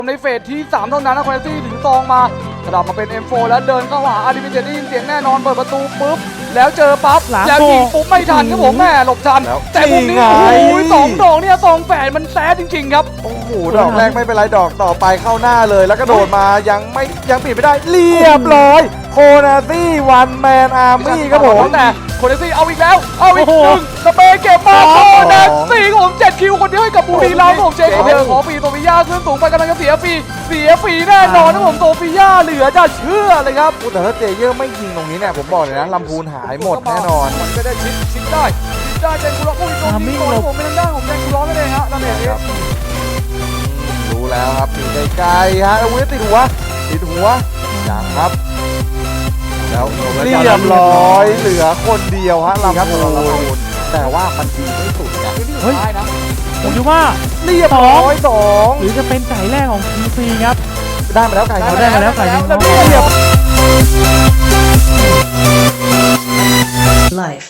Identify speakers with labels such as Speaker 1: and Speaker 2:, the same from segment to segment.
Speaker 1: ในเฟสที่3เท่านั้นนะคอนเนซี่ถึงซองมากระดับมาเป็น M4 แล้วเดินเข้าหาอาร์ดิมิเจได้ยินเสียงแน่นอนเปิดประตูปุ๊บแล้วเจอปั๊บแล้วยิงปุ๊บไม่ทันครับผมแม่หลบทันแต่มุมนี้โอ้โห2 ดอกเนี่ย2 แฝดมันแซ่จริงๆครับ
Speaker 2: โอ้โหดอกแรกไม่เป็นไรดอกต่อไปเข้าหน้าเลยแล้วก็โดดมายังปิดไม่ได้เรียบร้อยโคนาซี่วันแมนอาร์มี่ครับผม
Speaker 1: แต่โคเนซี่เอาอีกแล้วเอาอีกหนึ่งสเปย์เก็บมาโคเนซี่ของผม7 คิวคนเดียวให้กับบุรีรัมย์ผมเจคอบขอฟรีโซฟิยาขึ้นสูงไปกำลังจะเสียฟรีแน่นอนนะผมโซฟิยาเหลือจะเชื่อเลยครับ
Speaker 2: แต่ถ้าเจเยอร์ไม่ยิงตรงนี้เนี่ยผมบอกเลยนะลำพูนหายหมดแน่นอน
Speaker 1: มันก็ได้ชิดได้เจนกุล็อกอีกตรงนี้ผมเป็นทางด้านของเจนกุล็อกนั่นเองฮะนั่นเอง
Speaker 2: รู้แล้วครับอยู่ไกลๆฮะอาวุธติดหัวอย่างครับแล้วเรียบร้อยเหลือคนเดียวฮะลำพูนแต่ว่ามันดีไม่สุดไง
Speaker 3: เฮ้ยผมคิดว่า
Speaker 2: เรียบร้อย2
Speaker 3: หรือจะเป็นไก่แรกของ QC ครับ
Speaker 2: ได้มาแล้วไก่
Speaker 3: เขาได้มาแล้วไก่ยิงเขา
Speaker 1: Life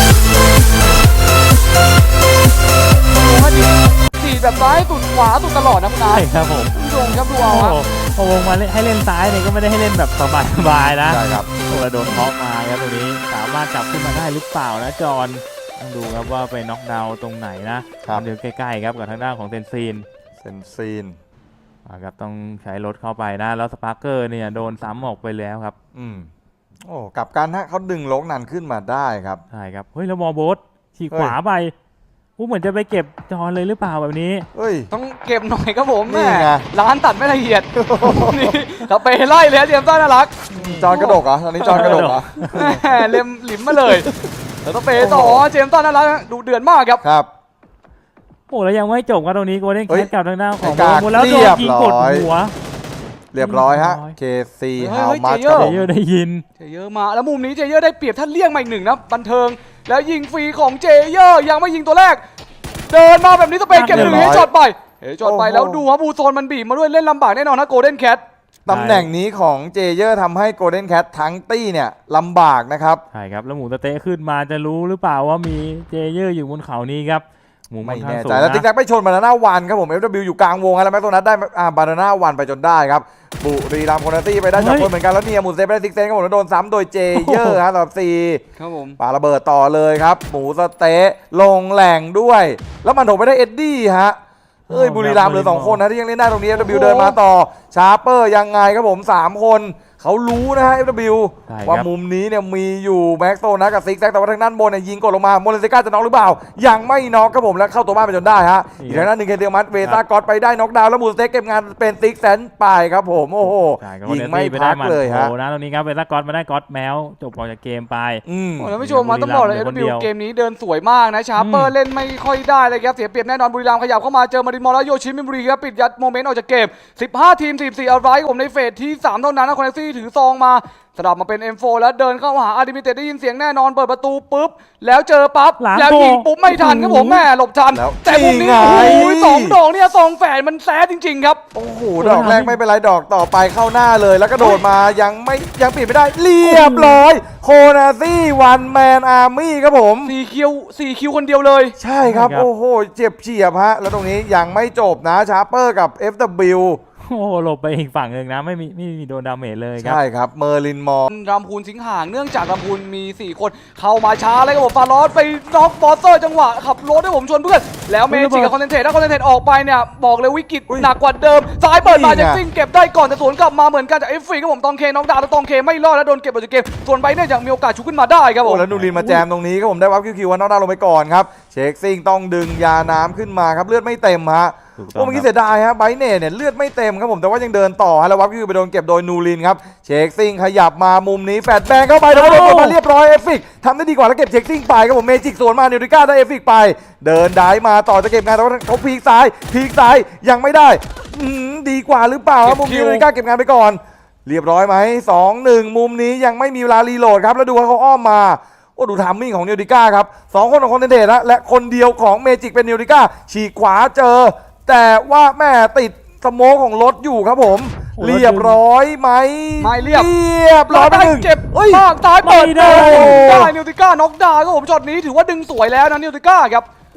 Speaker 1: สีแบบซ้ายสุดขวาสุดตลอดนะคุณนาย
Speaker 3: ใช่ครับผม
Speaker 1: ผู้ชมครับดูเอาครับ
Speaker 3: พอวงมาให้เล่นซ้ายเนี่ยก็ไม่ได้ให้เล่นแบบสบายๆนะ
Speaker 2: ใช่ครับ
Speaker 3: โดนเคาะมาครับตรงนี้สามารถจับขึ้นมาได้หรือเปล่านะจอนต้องดูครับว่าไปน็อกดาวน์ตรงไหนนะเดี๋ยวใกล้ๆครับกับทางด้านของเซนซีนครับต้องใช้รถเข้าไปนะแล้วสปาร์เกอร์เนี่ยโดนซ้ำออกไปแล้วครับ
Speaker 2: โอ้กับการฮะเขาดึงโลกนันขึ้นมาได้ครับ
Speaker 3: ใช่ครับเฮ้ยแล้วมอโบสฉีกขวาไปเหมือนจะไปเก็บจอนเลยหรือเปล่าแบบนี้
Speaker 1: ต้องเก็บหน่อยครับผมแม่ร้านตัดไม่ละเอียดนี่เราไปไล่เลยเตรียมต้อนน่ารัก
Speaker 2: จอนกระดกเหรอตอนนี้จอนกระดกเหรอ
Speaker 1: เล็มหลิมมาเลยแล้วต้องไปต่อเจมส์ต้อนน่ารักดูเดือดมากครับ
Speaker 3: โอ้แล้วยังไม่จบครับตรงนี้โกลเด้นแคทกับทางด้านของโมแล้วโดนยิงกดหัว
Speaker 2: เรียบร้อยฮะ KC ฮาวมัส
Speaker 3: เจเยอร์ได้ยิน
Speaker 1: เจเยอร์มาแล้วมุมนี้เจเยอร์ได้เปรียบท่านเลี่ยงมาอีกหนึ่งนะบันเทิงแล้วยิงฟรีของเจเยอร์ยังไม่ยิงตัวแรกเดินมาแบบนี้สเปนเก็บ1ให้จอดไปแล้วดูว่าบูโซนมันบีบมาด้วยเล่นลำบากแน่นอนนะโกลเด้นแคท
Speaker 2: ตำแหน่งนี้ของเจเยอร์ทำให้โกลเด้นแคททั้งตี้เนี่ยลำบากนะครับ
Speaker 3: ใช่ครับแล้วหมูสเต๊ะขึ้นมาจะรู้หรือเปล่าว่ามีเจเยอร์อยู่บนเขานี้ครับ
Speaker 2: ไม่แน่ใจแล้วติ๊กแท็กไปชนบานาน่าวันครับผม FW อยู่กลางวงแล้วแม็กโซนัทได้บานาน่าวันไปจนได้ครับบุรีรัมย์โคนาตี้ไปได้2 คนเหมือนกันแล้วเนี่ยหมูเซฟไปได้ซิกเซนครับผมแล้วโดนซ้ำโดยเจเยอร์ครับต่อ4
Speaker 1: ครับผม
Speaker 2: ปาระเบิดต่อเลยครับหมูสเต๊ะลงแหล่งด้วยแล้วมันถกไปได้เอ็ดดี้ฮะบุรีรัมย์เหลือ2 คนนะที่ยังเล่นได้ตรงนี้ FW เดินมาต่อชาร์เปอร์ยังไงครับผม3 คนเขารู้นะฮะ FW ว่ามุมนี้เนี่ยมีอยู่แม็กโซนะกับซิกแซกแต่ว่าทางด้านบนเนี่ยยิงกดลงมาโมเลนเซก้าจะน็อกหรือเปล่ายังไม่น็อกครับผมแล้วเข้าตัวบ้านไปจนได้ฮะอีกทางด้านหนึ่งเคเดียมัสเวต้ากอตไปได้น็อกดาวน์แล้วมูสเต็กเก็บงานเป็นซิกแซนไปครับผมโอ้โหยิงไม่พักเลยฮะ
Speaker 3: นะตรงนี้ครับเวต้ากอตมาได้กอตแมวจบออกจากเกมไป
Speaker 1: แล้วผู้ชมมาต้องบอกเลย FW เกมนี้เดินสวยมากนะชาร์เปอร์เล่นไม่ค่อยได้เลยครับเสียเปรียบแน่นอนบุรีรัมย์ขยับเข้ามาเจอมารินมอลแล้วโยชิมิบุรีครับปิดยัดโมเมนต์ออกจากเกม15 ทีม44เอาไว้ผมในเฟสที่3เท่านั้นนะคอนเนซี่ถือซองมาสลับมาเป็น M4 แล้วเดินเข้าหาอาร์ดิมิเจได้ยินเสียงแน่นอนเปิดประตูปุ๊บแล้วเจอปั๊บแล้วยิงปุ๊บไม่ทันครับผมแม่หลบทันแต่มุมนี้โอ้ย2 ดอกเนี่ย2 แฝดมันแซ่จริงๆครับ
Speaker 2: โอ้โหดอกแรกไม่เป็นไรดอกต่อไปเข้าหน้าเลยแล้วก็โดดมายังปิดไม่ได้เรียบร้อยโคนาซี่วันแมนอาร์มี่ครับผม
Speaker 1: 4 คิวคนเดียวเลย
Speaker 2: ใช่ครับโอ้โหเจ็บเฉียบฮะแล้วตรงนี้ยังไม่จบนะชาร์เปอร์กับ FW
Speaker 3: โอ้หลบไปอีกฝั่งหนึ่งนะไม่มีโดนดาเมจเลยครับ
Speaker 2: ใช่ครับเมอร์ลินมอร์
Speaker 1: รำพูนสิงห่างเนื่องจากรำพูนมี4 คนเข้ามาช้าเลยครับผมฟาร์ลอสไปน็อกบอสเตอร์จังหวะขับรถให้ผมชวนเพื่อนแล้วเมจิกับคอนเทนเทรตถ้าคอนเทนเทรตออกไปเนี่ยบอกเลยวิกฤตหนักกว่าเดิมซ้ายเปิดมาจากซิงเก็บได้ก่อนแต่สวนกลับมาเหมือนกันจากเอฟฟรีครับผมตองเคน็อกดาวน์แล้วตองเคไม่รอดแล้วโดนเก็บออกจากเกมส่วนไปเนี่ยยังมีโอกาสชุบขึ้นมาได้ครับผม
Speaker 2: แล้วนูรินมาแจมตรงนี้ครับผมได้วับคิวน็อกดาวน์ลงไปก่อนครับเช็คซิงต้องดึงยาน้ำขึ้นมาครับเลือดไม่เต็มฮะเมื่อกี้เสียดายฮะไบเน่เนี่ยเลือดไม่เต็มครับผมแต่ว่ายังเดินต่อฮะแล้ววับคิวไปโดนเก็บโดยนูรินครับเช็คซิงขยับมามุมนี้แฟดแบงเข้าไปแล้วโดนมาเรียบร้อยเอฟฟิกทำได้ดีกว่าแล้วเก็บเช็คซิงไปครับผมเมจิกสวนมาเนวริก้าได้เอฟฟิกไปเดินได้มาต่อจะเก็บงานแต่ว่าเขาพีกซ้ายยังไม่ได้ดีกว่าหรือเปล่ามุมนี้เนวริก้าเก็บงานไปก่อนเรียบร้อยไหม2-1มุมนี้ยังไม่มีเวลารีโหลดครับแล้วดูว่าเขาอ้อมมาดูทามมิ่งของเนวริก้าครับ2 คนของคอนเทนเดตและคนเดียวของเมจิกเป็นเนวริก้าฉีกขวาเจอแต่ว่าแม่ติดสโมกของรถอยู่ครับผมเรียบร้อยไหม
Speaker 1: ไม่เรียบ
Speaker 2: ร้อย
Speaker 1: ไป1เจ็บมากซ้ายเปิดได้นิวติก้าน็อกดาวน์ครับผมช็อตนี้ถือว่าดึงสวยแล้วนะนิวติก้าครับ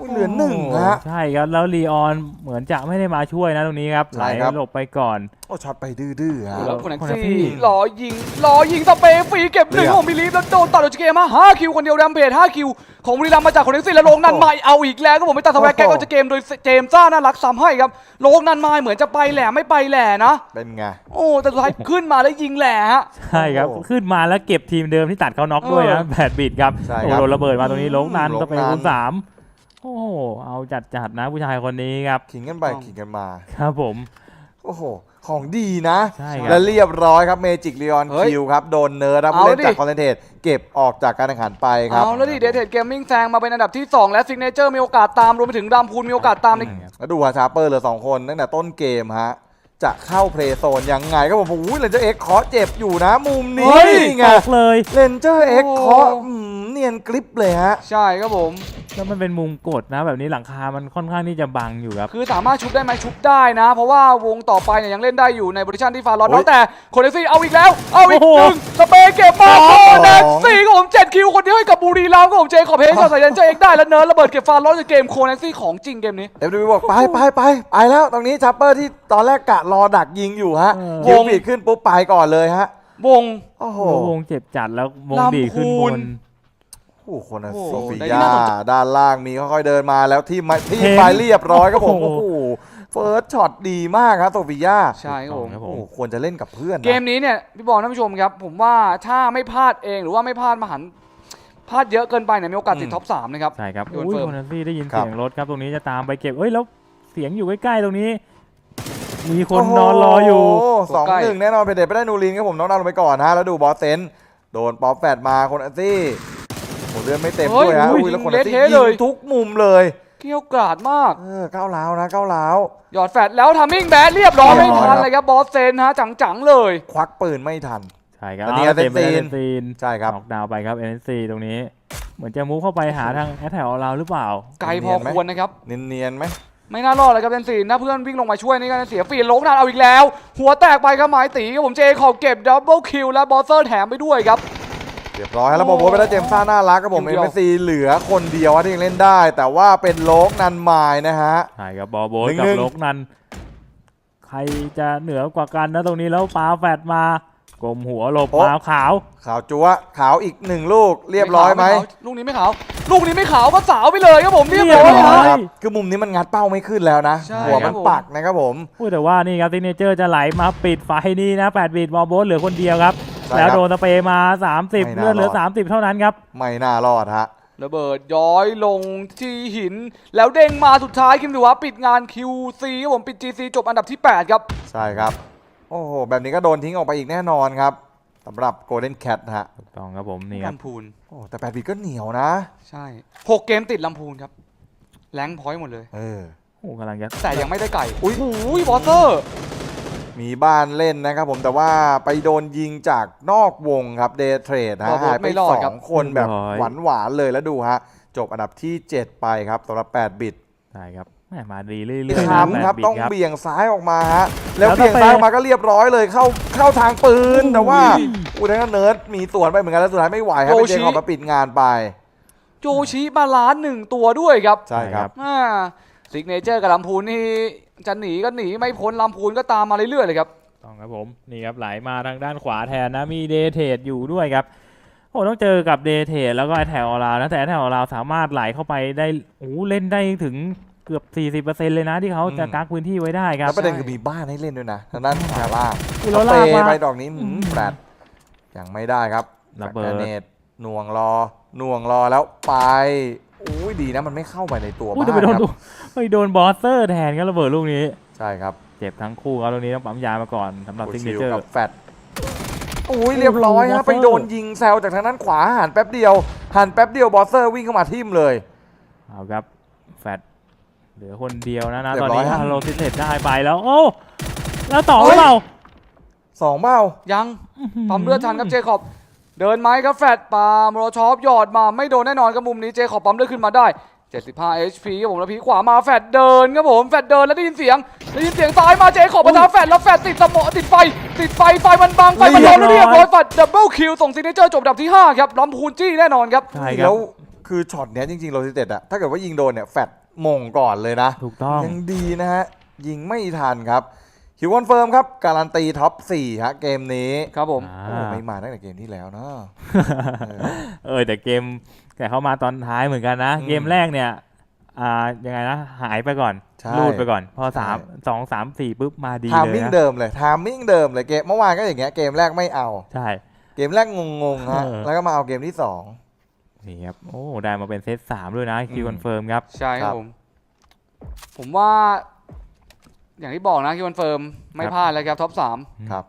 Speaker 2: อุ้ยเหลือหนึ่งฮะ
Speaker 3: ใช่ครับแล้วลีออนเหมือนจะไม่ได้มาช่วยนะตรงนี้ครับ
Speaker 2: ใช่
Speaker 3: ไหล
Speaker 2: ครับ
Speaker 3: หลบไปก่อน
Speaker 2: โอ้ช็อตไปดื้อๆฮะ
Speaker 1: แล้วคนแท็ก
Speaker 3: คนแท็กซี่
Speaker 1: ซี่รอยิงสเปรย์ฟรีเก็บหนึ่ง
Speaker 2: เรียบ
Speaker 1: ของบิลีฟแล้วโดนตัดออกจากเกมมา5คิวคนเดียวแรมเพจ5คิวของบุรีรัมย์มาจากคนแท็กซี่แล้วโลงนันไมเอาอีกแล้วก็ผมไม่ตัดสแวกแกก็จะเกมโดยเจมส์ซ่าน่ารักซ้ำให้ครับโลงนันไมเหมือนจะไปแหล่ไม่ไปแหล่นะ
Speaker 2: เป็นไง
Speaker 1: โอ้แต่สุดท้ายขึ้นมาแล้วยิงแหล่ฮะ
Speaker 3: ใช่ครับ
Speaker 2: โอ้โห
Speaker 3: ขึ้นมาแล้วเก็บทีมเดิมที่ตัดเขาน็อกด้วยนะแบดบิดครับ
Speaker 2: ใช่
Speaker 3: โอ้
Speaker 2: ครับ
Speaker 3: โดนระเบิดมาตรงนี้ลงนัน
Speaker 2: ลงนัน
Speaker 3: ก็เป็นคูณ3โอ้โหเอาจัดนะผู้ชายคนนี้ครับ
Speaker 2: ขิงกันไปขิงกันมา
Speaker 3: ครับผม
Speaker 2: โอ้โห ของดีนะ
Speaker 3: ใช่ครับ
Speaker 2: และเรียบร้อยครับเมจิกลีออน
Speaker 1: เฮ้ย
Speaker 2: คิวครับ โดนเนิร์ดครับ
Speaker 1: เอา
Speaker 2: เล่น
Speaker 1: ดิ
Speaker 2: จากคอนเทนเทตเก็บออกจากการแข่งขันไปครับ
Speaker 1: เอาแล้วดิเดทเทดเกมมิ่งแซงมาเป็นอันดับที่ 2 และซิกเนเจอร์มีโอกาสตามรวมไปถึงรามพูนมีโอกาสตามใน
Speaker 2: แล้วดูฮะชาร์เปอร์เหลือ2คนตั้งแต่ต้นเกมฮะ จะเข้าเพลย์โซนยังไงก็ผมอุ้ยเลนเจอร์เอ็กเคาะเจ็บอยู่นะ มุมนี้
Speaker 3: เฮ้ย
Speaker 2: ไง
Speaker 3: ตกเลย
Speaker 2: เลนเจอร์เอ็ก
Speaker 1: โอ้
Speaker 2: เคาะเนียนกริปเลยฮะ
Speaker 1: ใช่ครับผม
Speaker 3: แล้วมันเป็นมุมกดนะ แบบนี้หลังคามันค่อนข้างที่จะบังอยู่ครับ
Speaker 1: คือสามารถชุบได้ไหมชุบได้นะ เพราะว่าวงต่อไปเนี่ยยังเล่นได้อยู่ในโพซิชันที่ฟาร้อน
Speaker 2: โอ้ย
Speaker 1: แล้วแต่คนเอซี่เอาอีกแล้ว เอาอีก
Speaker 3: โอ้โห
Speaker 1: หนึ่งสเปย์เก็บมา
Speaker 2: ส
Speaker 1: โค
Speaker 2: อง
Speaker 1: เนตซี่ก็ผม7คิวคนเดียวให้กับบุรีรัมย์ก็ผมเจคอบเฮชใส่ยันเจเอกได้แล้วเนิร์ดระเบิดเก็บฟาร้อนจากเกมโคเนตซี่ของจริงเกมนี้
Speaker 2: FW บอกไปแล้วตรงนี้ชาร์เปอร์ที่ตอนแรกกะรอดักยิงอยู่ฮะ
Speaker 3: เออ
Speaker 2: คิวฟีดขึ้นปุ๊บไปก่อนเลยฮะ
Speaker 1: วง
Speaker 2: โอ้โห
Speaker 3: วงเจ็บจัดแล้ววงดีขึ้นบน
Speaker 2: โอ้โหคนนะ
Speaker 1: โอ้โห
Speaker 2: โซฟี
Speaker 1: ได้
Speaker 2: ยา
Speaker 1: น่าสนใจ
Speaker 2: ด้านล่างมีค่อยๆเดินมาแล้วที่
Speaker 3: เห็น
Speaker 2: ไปเรียบร้อยครับผม
Speaker 3: โอ้
Speaker 2: โอ้
Speaker 3: โห
Speaker 2: โหเฟิร์สช็อตดีมากครับโซฟียา
Speaker 1: ใช่ครับผม
Speaker 3: ครับผ
Speaker 2: โอ้
Speaker 3: ม
Speaker 2: โหควรจะเล่นกับเพื่อนนะ
Speaker 1: เกมนี้เนี่ยพี่บอลท่านผู้ชมครับ ผมว่าถ้าไม่พลาดเองหรือว่าไม่พลาดมหันต์พลาดเยอะเกินไปเนี่ยมีโอกาสติดท็อป 3 นะครับ
Speaker 3: ใช่ครับ
Speaker 1: โยน
Speaker 3: อุ้ย
Speaker 1: เฟิร์ม
Speaker 3: โคนันซี่ได้ยิน
Speaker 2: ครับ
Speaker 3: เสียงรถครับตรงนี้จะตามไปเก็บเอ้ยแล้วเสียงอยู่ใกล้ๆตรงนี้ มีคนนอนรออยู่
Speaker 2: โโห2-1แน่นอนเพเดตไปได้นูรินครับผมน้องดาวลงไปก่อนฮะแล้วดูบอสเซนโดนป๊อปแฟดมาคนอันซี่โอ้เลือดไม่เต็มด้วยฮะ
Speaker 1: เฮ้ย
Speaker 2: อุ้ยแล้วคน
Speaker 1: ยิ
Speaker 2: อั
Speaker 1: ง
Speaker 2: นซี่
Speaker 1: เละเทะเลย
Speaker 2: ยิงทุกมุมเลย
Speaker 1: เกี่ยวกราดมาก
Speaker 2: ก้าวร้าวนะก้าวร้าว
Speaker 1: หยอดแฟดแล้วทำมิ่งแบดเรียบร้อย
Speaker 2: เรี
Speaker 1: ไม่
Speaker 2: ยบร้อย
Speaker 1: ทันเลยครับบอสเซนฮะจังๆเลย
Speaker 2: ควักปืนไม่ทัน
Speaker 3: ใช่ครับ
Speaker 2: อันนี้
Speaker 3: เอาเต็มไป
Speaker 2: เอ
Speaker 3: เอ
Speaker 2: เน
Speaker 3: น
Speaker 2: ซี
Speaker 3: ซีน
Speaker 2: ใช่ครับ
Speaker 3: น็อกดาวน์ไปครับเอเนซีตรงนี้ เหมือนจะมูฟเข้าไปหาทางแอตแถวเราหรือเปล่า
Speaker 1: ไกลพอควรนะครับ
Speaker 2: เนียนๆไหม
Speaker 1: ไม่น่ารอดเลยครับเซนซีนถ้าเพื่อนวิ่งลงมาช่วยนี่ก็เสียฟรีลงนานเอาอีกแล้ว หัวแตกไปครับหมายตีครับผมเจขอบเก็บดับเบิลคิวและบอสเซอร์แถมไปด้วยครับ
Speaker 2: เรียบร้อยแล้วบอลโบทไปแล้วเจมส์ซ่าน่ารักครับผม
Speaker 1: ที
Speaker 2: เอ็
Speaker 1: มเดียว
Speaker 2: มซีเหลือคนเดียวที่ยังเล่นได้ แต่ว่าเป็นโลกนันมายนะฮะ
Speaker 3: ใช่ครับบอลโบยกับ
Speaker 2: 1-1
Speaker 3: โลกนัน ใครจะเหนือกว่ากันนะตรงนี้แล้วปาแฟดมากลมหัวหลบ
Speaker 2: โอ้
Speaker 3: มาขาว
Speaker 2: ขาวจั๊วขาวอีก1ลูกเรียบร้อยไหม
Speaker 1: ลูกนี้ไม่ขาวลูกนี้ไม่ขาวก็สาวไปเลยครับผมเรียบร้อย
Speaker 3: เรียบร้
Speaker 1: ฮะ
Speaker 3: อย
Speaker 2: ครับคือมุมนี้มันงัดเป้าไม่ขึ้นแล้วนะ
Speaker 1: ใช่
Speaker 2: หัว
Speaker 1: ครั
Speaker 2: มั
Speaker 1: บ
Speaker 2: น
Speaker 1: ผม
Speaker 2: ปักนะครับผม
Speaker 3: พูดแต่ว่านี่ครับซิกเนเจอร์จะไหลมาปิดไฟนี่นะ8บิตบอลโบสเหลือคนเดียวครับ
Speaker 2: ใช่ครับ
Speaker 3: แล้วโดนสเปรย์มา 30
Speaker 2: ไม่น่า
Speaker 3: เลือดเหลือ
Speaker 2: รอด
Speaker 3: 30 เท่านั้นครับ
Speaker 2: ไม่น่ารอดฮะ
Speaker 1: ระเบิดย้อยลงที่หิน แล้วเด้งมาสุดท้ายคิมดูว่าปิดงาน QC ครับผมปิด GC จบอันดับที่ 8 ครับ
Speaker 2: ใช่ครับ โอ้โห แบบนี้ก็โดนทิ้งออกไปอีกแน่นอนครับสำหรับ Golden Cat ฮะ
Speaker 3: ถูกต้องครับผมนี่ครับ
Speaker 1: ลำพูน
Speaker 2: โอ้แต่8บิตก็เหนียวนะ
Speaker 1: ใช่6เกมติดลำพูนครับแรงค์พอยต์หมดเลย
Speaker 2: เออ
Speaker 3: โอ้กำลังจะ
Speaker 1: แต่ยังไม่ได้ไก่
Speaker 2: อุ๊ย
Speaker 1: โอ้ยบอสเตอร์
Speaker 2: มีบ้านเล่นนะครับผมแต่ว่าไปโดนยิงจากนอกวงครับเดย์เทรดฮะหายไป2คนแบบหวานๆเลยแล้วดูฮะ จบอันดับที่ 7 ไปครับสำหรับ8บิต
Speaker 3: ใช่ครับแหม่มาดีเรื่อยๆนะ
Speaker 2: ค้ำครับ
Speaker 3: 8บิต
Speaker 2: ต้อง
Speaker 3: ครับ
Speaker 2: เบี่ยงซ้ายออกมาฮะแล้ว
Speaker 3: แล้ว
Speaker 2: เบี่ยงซ้ายออก
Speaker 3: ไป
Speaker 2: มาก็เรียบร้อยเลยเข้าทางปืน
Speaker 3: โอ้ย
Speaker 2: แต่ว่าอุทัยเนิร์ดมีสวนไปเหมือนกันแล้วสุดท้ายไม่ไหวครับเป็นเจคอบมาปิดงานไป
Speaker 1: โจชิมาล้าน1ตัวด้วยครับ
Speaker 2: ใช่ครับ
Speaker 1: ซิกเนเจอร์กับลำพูนนี่จะหนีก็หนีไม่พ้นลำพูนก็ตามมาเรื่อยๆเลยครับ
Speaker 3: ต้องครับผมนี่ครับไหลมาทางด้านขวาแทนนะมีเดเทดอยู่ด้วยครับโอ้ต้องเจอกับเดเทดแล้วก็แถวเรานะแต่แถวเราสามารถไหลเข้าไปได้โอ้เล่นได้ถึงเกือบ 40% เลยนะที่เขาจะกักพื้นที่ไว้ได้ครับ
Speaker 2: แล้วประเด็นคือมีบ้านให้เล่นด้วยนะทางด้านขวาล่าง
Speaker 3: คือ
Speaker 2: เขา
Speaker 3: เรา
Speaker 2: เป
Speaker 3: ลากมา
Speaker 2: ไปดอกนี้แฟลตยังไม่ได้ครับ
Speaker 3: ระเบิด
Speaker 2: แกรเนตหน่วงรอแล้วไปอุ้ยดีนะมันไม่เข้าไปในตัว
Speaker 3: อุ้ย
Speaker 2: บ้า
Speaker 3: จะไป
Speaker 2: น
Speaker 3: โดน
Speaker 2: ครับ
Speaker 3: ไปโดนบอสเซอร์แทนก็ระเบิดลูกนี้
Speaker 2: ใช่ครับ
Speaker 3: เจ็บทั้งคู่ครับตรงนี้ต้องปั๊มยามาก่อนสำหรับซิกเน
Speaker 2: ชิล
Speaker 3: เจอร์
Speaker 2: กับแฟลตอุ้ยเรียบร้อย
Speaker 3: โอ้
Speaker 2: ฮะ
Speaker 3: โห
Speaker 2: ไปโดนยิงแซวจากทางด้านขวาหันแป๊บเดียวบอสเซอร์วิ่งเข้ามาทิ่มเลย
Speaker 3: เอาครับแฟดเหลือคนเดียวนะ
Speaker 2: เรีย
Speaker 3: ตอน
Speaker 2: บร้อย
Speaker 3: นี้
Speaker 2: ฮะ
Speaker 3: ฮาโลซิเทตได้ไปแล้วโอ้แล้วต่อหรือเปล่า
Speaker 2: 2เบ้า
Speaker 1: ยังปั๊มเลือดทันครับเจคอบเดินไหมครับแฟดปาโมโรชอปหยอดมาไม่โดนแน่นอนครับมุมนี้เจคอบปั๊มเลือดขึ้นมาได้75 HP ครับผมแล้วพีขวามาแฟดเดินครับผมแฟดเดินแล้วได้ยินเสียงซ้ายมาเจคอบประทาแฟดแล้วแฟดติดสมอติดไฟมันบังไฟมันโดนแล้วเรียบร้อยแฟดดับเบิลคิวส่งซิกเนเจอร์จบอันดับที่ 5 ครับลำพูนจี้แน่นอนครับ
Speaker 3: ใช่ครั
Speaker 2: แล้
Speaker 3: บ
Speaker 2: วคคือช็อตเนี้ยจริงๆโรซิเต็ดอะถ้าเกิดว่ายิงโดนเนี่ยแฟดมงก่อนเลยนะ
Speaker 3: ถูกต้อง
Speaker 2: ยังดีนะฮะยิงไม่ทันครับคิวคอนเฟิร์มครับการันตีท็อป4ฮะเกมนี้
Speaker 1: ครับผม
Speaker 2: โอ้ไม่มาตั้งแต่เกมที่แล้วเนาะ
Speaker 3: แต่เกมแต่เขามาตอนท้ายเหมือนกันนะ
Speaker 2: อืม
Speaker 3: เกมแรกเนี่ยยังไงนะหายไปก่อน
Speaker 2: ใช่
Speaker 3: ลูดไปก่อน พอ
Speaker 2: ใช่
Speaker 3: 2 3 4ปุ๊บมาดี
Speaker 2: ทาม
Speaker 3: เลย
Speaker 2: มิ่ง
Speaker 3: นะ
Speaker 2: เดิมเลยทามมิ่งเดิมเลยเกมเมื่อวานก็อย่างเงี้ยเกมแรกไม่เอา
Speaker 3: ใช่
Speaker 2: เกมแรกงงๆฮะ
Speaker 3: เออ
Speaker 2: แล้วก็มาเอาเกมที่
Speaker 3: นี่ครับโอ้ได้มาเป็นเซต3ด้วยนะคิว
Speaker 2: อืม
Speaker 3: คอนเฟิร์มครับ
Speaker 1: ใช่ค
Speaker 2: ครั
Speaker 1: รับบ ผมว่า อย่างที่บอกนะคิวคอนเฟิร์มไม่พลาดเลยครับท็อป
Speaker 2: 2ครับ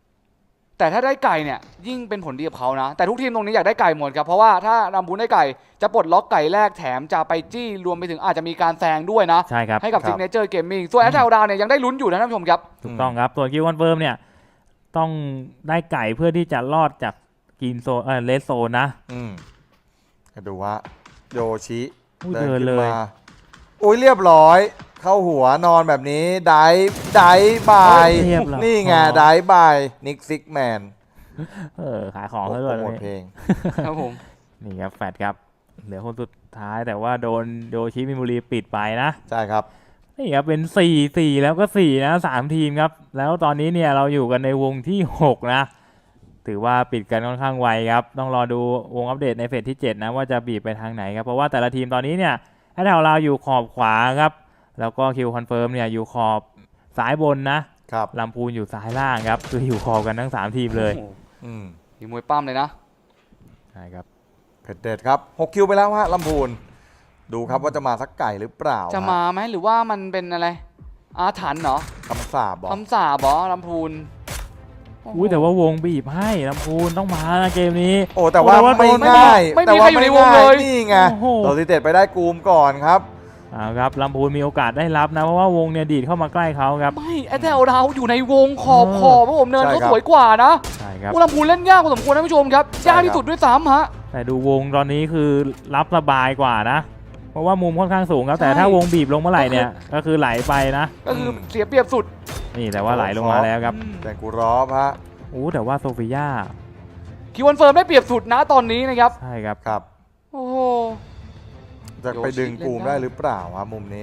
Speaker 1: 3แต่ถ้าได้ไก่เนี่ยยิ่งเป็นผลดีกับเขานะ แต่ทุกทีมตรงนี้อยากได้ไก่หมดครับ เพราะว่าถ้ารำพูนได้ไก่จะปลดล็อกไก่แรกแถมจะไปจี้รวมไปถึงอาจจะมีการแซงด้วยนะ
Speaker 3: ใช่ครับ
Speaker 1: ให้กับ
Speaker 2: ครับ
Speaker 1: ซิกเนเจอร์เกมมิ่งส่วนแอตแทลดาวเนี่ยยังได้ลุ้นอยู่นะท่านผู้ชมครับ
Speaker 3: ถูกต้องครับส่วนคิวคอนเฟิร์มเนี่ยต้องได้ไก่เพื่อที่จะรอดจากกรีนโซนเลสโซนนะ
Speaker 2: ก็ดูว่าโยชิ
Speaker 3: อุ้ย
Speaker 2: เดิน
Speaker 3: เดิน
Speaker 2: ขึ้น
Speaker 3: เลย
Speaker 2: มาอุ้ยเรียบร้อย เข้าหัวนอนแบบนี้ไดบาย
Speaker 3: เรียบร้อย
Speaker 2: นี่ไงไดบายนิกซิกแมน
Speaker 3: ขายของ
Speaker 2: โป
Speaker 3: ซะ
Speaker 2: ร
Speaker 3: ด้วย
Speaker 2: โมท
Speaker 3: นี่
Speaker 2: เพลง
Speaker 1: ครับผม
Speaker 3: นี่ครับแฟดครับเหลือคนสุดท้ายแต่ว่าโดนโยชิมิมูรีปิดไปนะ
Speaker 2: ใช่ครับ
Speaker 3: นี่ครับเป็น4แล้วก็4นะ3ทีมครับแล้วตอนนี้เนี่ยเราอยู่กันในวงที่6นะถือว่าปิดกันค่อนข้างไวครับต้องรอดูวงอัปเดตในเฟสที่7นะว่าจะบีบไปทางไหนครับเพราะว่าแต่ละทีมตอนนี้เนี่ยให้เราอยู่ขอบขวาครับแล้วก็คิวคอนเฟิร์มเนี่ยอยู่ขอบซ้ายบนนะครับ ลำพูนอยู่ซ้ายล่างครับคืออยู่ขอบกันทั้ง3ทีมเลย
Speaker 1: โอ้โห
Speaker 2: อืม
Speaker 1: มีมวยปั้มเลยนะ
Speaker 3: ใช่ครับ
Speaker 2: เผ็ดเด็ดครับ6คิวไปแล้วฮะลำพูนดูครับว่าจะมาสักไก่หรือเปล่า
Speaker 1: จะมาไหมหรือว่ามันเป็นอะไรอาถรรพ์เหรอ
Speaker 2: คำสาบบอก
Speaker 1: คำสาบเหรอลำพูนโโห
Speaker 3: อุ้ยแต่ว่าวงบีบให้ลำพูนต้องมานะเกมนี้
Speaker 2: โอ้แต่ว่า
Speaker 3: แต่ว่า
Speaker 2: ไม่
Speaker 3: โดน
Speaker 2: ง่าย
Speaker 1: ไม่มี
Speaker 2: แต่ว่า
Speaker 1: ใครอยู่ในวงเลย
Speaker 2: นี่ไง
Speaker 3: โอ้โห
Speaker 2: โรซิเต็ดไปได้กูมก่อนครับ
Speaker 3: เอาครับลำพูนมีโอกาสได้รับนะเพราะว่าวงเนี่ยดีดเข้ามาใกล้เขาครับ
Speaker 1: ไม่แอตแทลดาวอยู่ในวงขอบครับผมเนิน
Speaker 2: ใช่
Speaker 1: เขา
Speaker 2: ครับ
Speaker 1: สวยกว่านะ
Speaker 3: ใช่ครับ
Speaker 1: อุลำพูนเล่นยากพอสมควรนะผู้ชมครับ
Speaker 2: ใช่
Speaker 1: ยากที่สุดด้วยซ้ำฮะ
Speaker 3: แต่ดูวงตอนนี้คือรับสบายกว่านะ เพราะว่ามุมค่อนข้างสูงครับแต่
Speaker 1: ใช่
Speaker 3: ถ้าวงบีบลงเมื่อไหร่เนี่ยก็คือไหลไปนะ
Speaker 1: ก็คือเสียเปรียบสุด
Speaker 3: นี่แต่ว่าไหลลงมาแล้วครับ
Speaker 2: แจงกูรอบฮะ
Speaker 3: โอ้แต่ว่าโซฟิยา
Speaker 1: คิวคอนเฟิร์มได้เปรียบสุดนะตอนนี้นะครับ
Speaker 3: ใช่ครับ
Speaker 2: ครับ
Speaker 1: โอ้โห
Speaker 2: จะไปดึงกูม
Speaker 1: โยชิเล่นได้
Speaker 2: ได้หรือเปล่าครับมุมนี้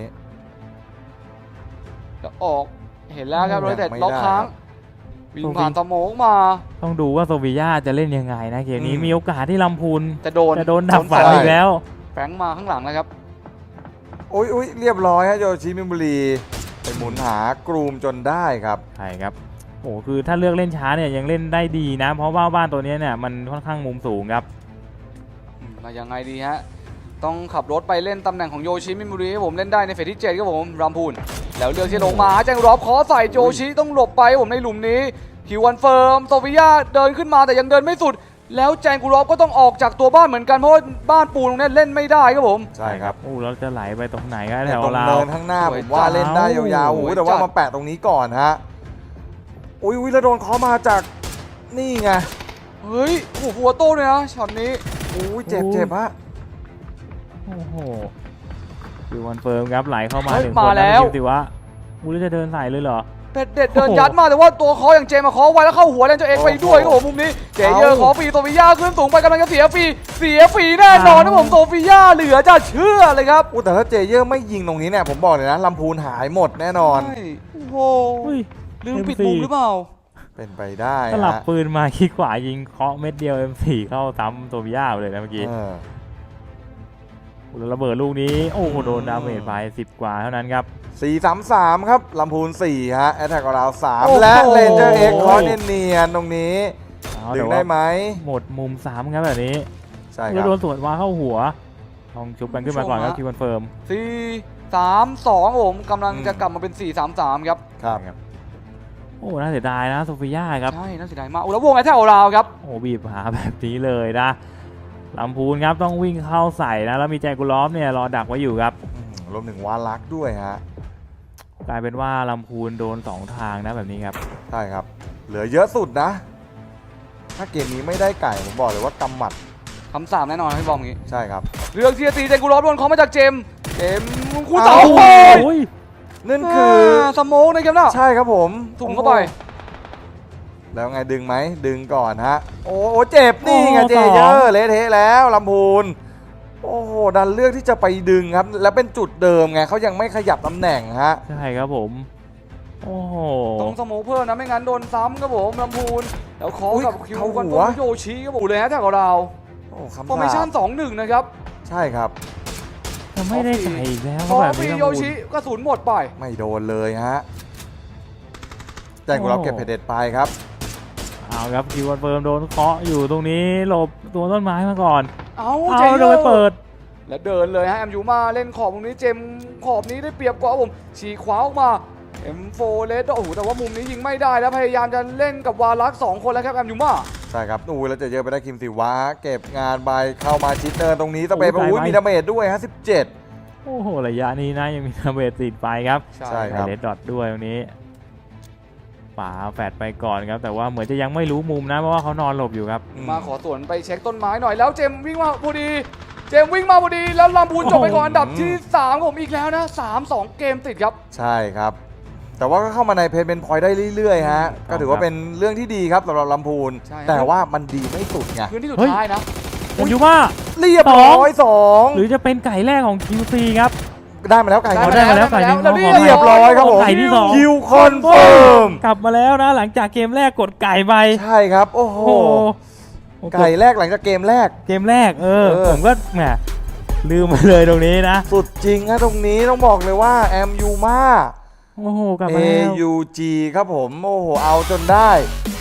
Speaker 1: แล้วออกเห็นแล้วครับ
Speaker 2: ยั
Speaker 1: โรง ยแต่
Speaker 2: ไม่
Speaker 1: ล็อก
Speaker 2: ได้
Speaker 1: ค้าง
Speaker 2: ครับ
Speaker 1: วิ่งผ่านสโมองมา
Speaker 3: ต้องดูว่าโซฟิยาจะเล่นยังไงนะเกมนี้
Speaker 2: อืม
Speaker 3: มีโอกาสที่ลำพูน
Speaker 1: จะโดน
Speaker 3: จะโดนดับฝัน
Speaker 2: ใช่
Speaker 3: อีกแล้ว
Speaker 1: แฝงมาข้างหลังนะครับ
Speaker 2: อุ้ยเรียบร้อยฮะโยชิมิบุรีไปหมุนหากรูมจนได้ครับ
Speaker 3: ใช่ครับโอ้คือถ้าเลือกเล่นช้าเนี่ยยังเล่นได้ดีนะ เพราะว่าบ้านตัวนี้เนี่ยมันค่อนข้างมุมสูงครับ
Speaker 1: มายังไงดีฮะ ต้องขับรถไปเล่นตำแหน่งของโยชิมิมุริให้ผมเล่นได้ในเฟสที่7ครับผมรัมพูนแล้วเลือกที่ลงมาแจงรอบขอใส่โยชิต้องหลบไปครับผมในหลุมนี้คิววันเฟิร์มโซฟิยาเดินขึ้นมาแต่ยังเดินไม่สุด แล้วแจงกูรอบก็ต้องออกจากตัวบ้านเหมือนกันเพราะว่าบ้านปูนตรงนี้เล่นไม่ได้ครับผม
Speaker 2: ใช่ครับ
Speaker 3: โอ้เราจะไหลไปตรงไหนกันแถ
Speaker 2: เนี่ยว ตรง
Speaker 3: เรา
Speaker 2: เนินข้างหน้า
Speaker 1: ส
Speaker 2: ผ
Speaker 1: วย
Speaker 2: มว่าเล่นได้ยาวๆ
Speaker 1: สวย
Speaker 2: โอ้ยแต่ว่า
Speaker 1: จัด
Speaker 2: มาแปะตรงนี้ก่อนฮะอุ้ยแล้วโดนเคอมาจากนี่ไง
Speaker 1: เฮ้ยโอ้โหฟัวโต้เลยนะช็อตนี้
Speaker 2: อุ้ยเจ็บฮะ
Speaker 3: โอ้โหคือวันเฟิร์มครับไหลเข้ามา
Speaker 1: เฮ้ย
Speaker 3: หนึ่ง
Speaker 1: มา
Speaker 3: คน
Speaker 1: แล้ว
Speaker 3: คิดสิว่าอุ้ยจะเดินใส่เลยเหรอ
Speaker 1: เป็ดเด็ดเดินยัดมาแต่ว่าตัวคออย่างเจมาคอไว้แล้วเข้าหัวแลนเจอเอ็กไปด้วยครับผมมุมนี้เจเยอร์ขอฟรีโซฟิยาขึ้นสูงไปกำลังจะเสียฟรีแน่นอนนะผมโซฟิยาเหลือจะเชื่อเลยครับ
Speaker 2: อุ้ยแต่ถ้าเจเยอร์ไม่ยิงตรงนี้เนี่ยผมบอกเลยนะลำพูนหายหมดแน่นอน
Speaker 1: ใช่โอ้โห
Speaker 3: อุ้ย
Speaker 1: ลืมปิดมุมหรือเปล่า
Speaker 2: เป็นไปได้
Speaker 3: สลับ
Speaker 2: ฮะ
Speaker 3: ปืนมาขี้ขวายิงเคาะเม็ดเดียว M4 เข้าซ้ำตัวพิยาเลยนะเมื่อกี้
Speaker 2: เออ
Speaker 3: แล้วระเบิดลูกนี้โอ้โหโดนดาเมจไป10 กว่าเท่านั้นครับ
Speaker 2: 4-3-3 ครับลำพูน4ฮะแอตแทกของเรา
Speaker 1: โอ้โห
Speaker 2: 3และเลนเจอร์เอ็กคอเนียนๆตรงนี้
Speaker 3: เอา
Speaker 2: ดึ
Speaker 3: แต่
Speaker 2: ง
Speaker 3: ว่า
Speaker 2: ได้ไหม
Speaker 3: หมดมุม3ครับแบบนี้
Speaker 2: ใช่ค
Speaker 3: แล้
Speaker 2: รั
Speaker 3: ว
Speaker 2: บ
Speaker 3: โดนสวนมาเข้าหัวต้องชุบกันขึ้นมาก่อนครับคิวคอนเฟิร์ม
Speaker 1: 4-3-2ผมกำลังจะกลับมาเป็น 4-3-3 ครับ
Speaker 2: ครับ
Speaker 3: โอ้น่าเสียดายนะโซฟิยาครับ
Speaker 1: ใช่น่าเสียดายมากโอ้แล้ววงไอ้แถวเราครับ
Speaker 3: โอ้บีบหาแบบนี้เลยนะลำพูนครับต้องวิ่งเข้าใส่นะแล้วมีแจกุลอฟเนี่ยรอดักไว้อยู่ครับ
Speaker 2: รวมถึงวาลักด้วยฮะ
Speaker 3: กลายเป็นว่าลำพูนโดน2ทางนะแบบนี้ครับ
Speaker 2: ใช่ครับ เหลือเยอะสุดนะ ถ้าเกมนี้ไม่ได้ไก่ผมบอกเลยว่ากำหมัด
Speaker 1: คำสามแน่นอนพี่บอมอย่างงี้
Speaker 2: ใช่ครับ
Speaker 1: เรื่องที่จะตีเจนกูรอบโดนเขามาจากเจมคู่เต๋า
Speaker 2: เอ้า
Speaker 1: โอ้ย
Speaker 3: โอ้ย
Speaker 2: นั่นคือ
Speaker 1: สโมกนะครับนะ
Speaker 2: ใช่ครับผม
Speaker 1: ถุงเข้าไป
Speaker 2: แล้วไงดึงไหมดึงก่อนฮะ โอ้โหเจ็บนี่ไงเจเยอร์เละเทะแล้วลำพูนโอ้โหดันเลือกที่จะไปดึงครับแล้วเป็นจุดเดิมไงเขายังไม่ขยับตำแหน่งฮะ
Speaker 3: ใช่ครับผมโอ้โห
Speaker 1: ต้องสโมกเพิ่มนะไม่งั้นโดนซ้ำครับผมลำพูนแล้วขอกับคิว
Speaker 2: เข้า
Speaker 1: คอน
Speaker 2: หั
Speaker 1: โทร
Speaker 2: ว
Speaker 1: ลโยชิครับผมเลยฮะแถวเรา
Speaker 2: โอ้คำ
Speaker 1: ฟอร์เมชั่น 2-1 นะครับ
Speaker 2: ใช่ครับ
Speaker 3: จะไม่ได้ไก่อีกแล้ว
Speaker 1: พอ
Speaker 3: แบบ
Speaker 1: ฟรี
Speaker 3: นี้
Speaker 1: โย
Speaker 3: นะ
Speaker 1: ชิกระสุนหมดไป
Speaker 2: ไม่โดนเลยฮะแจ้งกูรับเก็บเพดเด็ดไปครับ
Speaker 3: เอาครับคิวคอนเฟิร์มโดนเคาะอยู่ตรงนี้หลบตัวต้นไม้มาก่อน
Speaker 1: เอา
Speaker 3: เอา
Speaker 1: เจ
Speaker 3: โดนไปเปิด
Speaker 1: และเดินเลยฮะแอมยูมาเล่นขอบตรงนี้เจมขอบนี้ได้เปรียบกว่าครับผมฉีกขวาออกมา M4 เลสโอ้โหแต่ว่ามุมนี้ยิงไม่ได้แล้วพยายามจะเล่นกับวาลัก2 คนแล้วครับแอมยูมา
Speaker 2: ใช่ครับอู้แล้วจะเยอะไปได้คิมสิวะเก็บงานไปเข้ามาชิดเนินตรงนี้ตะเป
Speaker 3: โอ้
Speaker 2: ไป
Speaker 3: ย
Speaker 2: อุ้ย
Speaker 3: ตายไหม
Speaker 2: มีดาเมจด้วยฮะ17
Speaker 3: โอ้โหระยะนี้นะยังมีระเบิดติดไปครับ
Speaker 2: ใช่ครับ
Speaker 3: เลดดอทด้วยตรงนี้ป่าแฟดไปก่อนครับแต่ว่าเหมือนจะยังไม่รู้มุมนะเพราะว่าเขานอนหลบอยู่ครับ
Speaker 1: มาขอสวนไปเช็คต้นไม้หน่อยแล้วเจมวิ่งมาพอดีเจมวิ่งมาพอดีแล้วลำพูนจบไปก่อนอันดับที่3ผมอีกแล้วนะ3-2 เกมติดครับ
Speaker 2: ใช่ครับ แต่ว่าก็เข้ามาในเพจเป็นพอยต์ได้เรื่อยๆฮะก็ถือว่าเป็นเรื่องที่ดีครับสำหรับลำพูน
Speaker 1: ใช่
Speaker 2: แต่ว่ามันดีไม่สุดไง
Speaker 1: พื้นที่สุด
Speaker 3: เฮ้ย
Speaker 1: ท้ายนะ
Speaker 3: ผมอยู่ว่า
Speaker 2: เรียบร้อยสอง
Speaker 3: หรือจะเป็นไก่แรกของ QC ครับ
Speaker 2: ได้มาแล้วไก่
Speaker 3: ได้มาแล้วไก่หนึ่ง
Speaker 1: แล้ว
Speaker 3: ขอ
Speaker 2: เรียบร้อยครับผม
Speaker 3: ไก่ที่สอง
Speaker 2: คิวคอนเฟิร์ม
Speaker 3: กลับมาแล้วนะหลังจากเกมแรกกดไก่ไป
Speaker 2: ใช่ครับ โอ้โห
Speaker 3: โอ้โห
Speaker 2: ไก่แรกหลังจากเกมแรก
Speaker 3: เกมแรกผมก็แหมลืมไปเลยตรงนี้นะ
Speaker 2: สุดจริงฮะตรงนี้ต้องบอกเลยว่าแอมยูมา
Speaker 3: โอ้โหกลับมาแล้ว
Speaker 2: AUG ครับผม โอ้โห เอาจนได้